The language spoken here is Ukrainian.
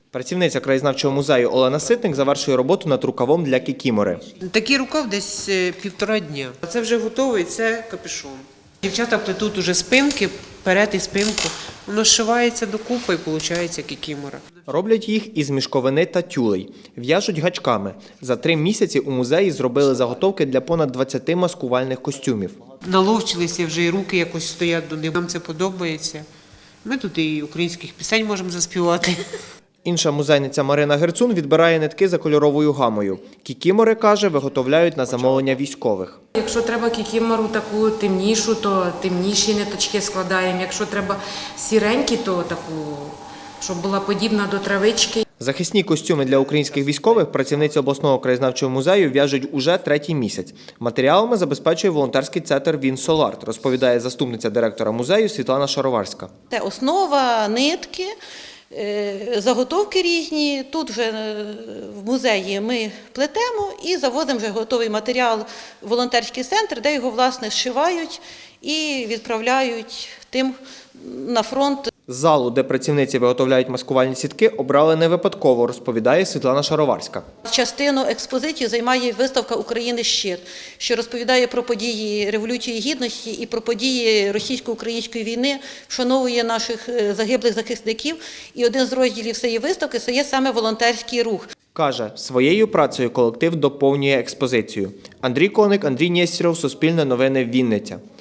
Працівниця краєзнавчого музею Олена Ситник завершує роботу над рукавом для кікімори. Такий рукав десь 1,5 дня. Це вже готовий, це капюшон. Дівчата плетуть уже спинки, перед і спинку. Воно зшивається докупи і виходить кікімора. Роблять їх із мішковини та тюлей. В'яжуть гачками. За 3 місяці у музеї зробили заготовки для понад 20 маскувальних костюмів. Наловчилися вже і руки якось стоять до них. Нам це подобається. Ми тут і українських пісень можемо заспівати. Інша музейниця Марина Герцун відбирає нитки за кольоровою гамою. Кікімори, каже, виготовляють на замовлення військових. Якщо треба кікімору таку темнішу, то темніші ниточки складаємо. Якщо треба сіренькі, то таку, щоб була подібна до травички. Захисні костюми для українських військових працівниці обласного краєзнавчого музею в'яжуть уже 3-й місяць. Матеріалами забезпечує волонтерський центр «Вінсоларт», розповідає заступниця директора музею Світлана Шароварська. Це основа, нитки, заготовки різні. Тут вже в музеї ми плетемо і завозимо вже готовий матеріал в волонтерський центр, де його, власне, зшивають і відправляють тим на фронт. Залу, де працівниці виготовляють маскувальні сітки, обрали не випадково, розповідає Світлана Шароварська. Частину експозиції займає виставка «Україна. Щит», що розповідає про події Революції Гідності і про події російсько-української війни, вшановує наших загиблих захисників. І один з розділів цієї виставки – це є саме волонтерський рух. Каже, своєю працею колектив доповнює експозицію. Андрій Коник, Андрій Нєстєров, Суспільне новини, Вінниця.